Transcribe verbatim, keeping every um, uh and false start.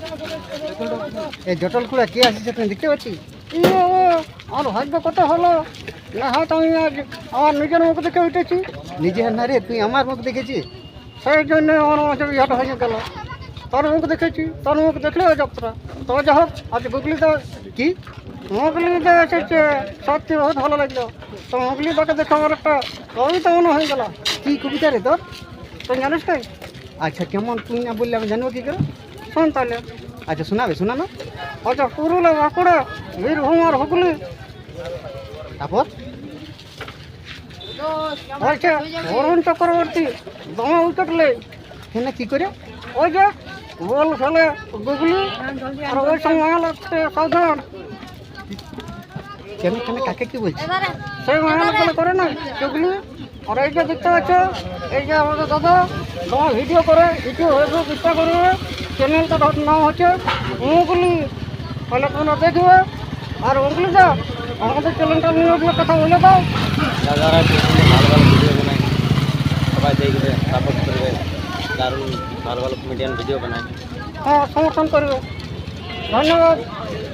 এই জটল কুড়া কে আসছে তুমি দেখতে পাচ্ছি? ইয়ে, আমার ভাগ্য কত হলো না, হয়তো আমি আজ আমার নিজের মুখ দেখে উঠেছি। নিজের না রে, তুই আমার মুখ দেখেছিস, সেই জন্য আমার মাঝে ইহাটা হয়ে গেল। তোর মুখ দেখেছি, তোর মুখ দেখলে যাত্রা। তবে যা হোক, আজ গুগলিতে কি মুগলিতে এসেছে, সত্যি বহুত ভালো লাগলো। তো মুগলিটাকে দেখে আমার একটা কবিতা মনে হয়ে গেল। কি কবিতা রে তোর, তুই জানিস তাই? আচ্ছা, কেমন তুই না বললে আমি জানবো কী করে? শোন তাহলে। আচ্ছা শোনাবে, শোনানো। আচ্ছা, পুরুলিয়া, বাঁকুড়া, বীরভূম আর হুগলি। তারপর আচ্ছা, বরুণ চক্রবর্তী দমে উইকেট নেই। কেন, কি করে? ওই যে বল খেলে গুগলি, আর ওই সময় লাগছে সাধারণ। কেন কেন কাকে কি বলছি? সেই মহান খেলে করে না গুগলি। আর এই যে দেখতে পাচ্ছ, এই যে আমাদের দাদা দমে ভিডিও করে, ভিডিও হয়েছে চেষ্টা করবে। চ্যানেলটা নাম হচ্ছে মুগলি, তাহলে তোমরা দেখবে। আর মুগলিটা আমাদের চ্যানেলটা নিয়ে ওগুলো কথা বলে দাও। দাদারা ভালো ভালো ভিডিও বানায়, সবাই দেখবে, সাপোর্ট করবে, দারুণ ভালো ভালো কমেডিয়ান ভিডিও বানায়। হ্যাঁ, সমর্থন করবে। ধন্যবাদ।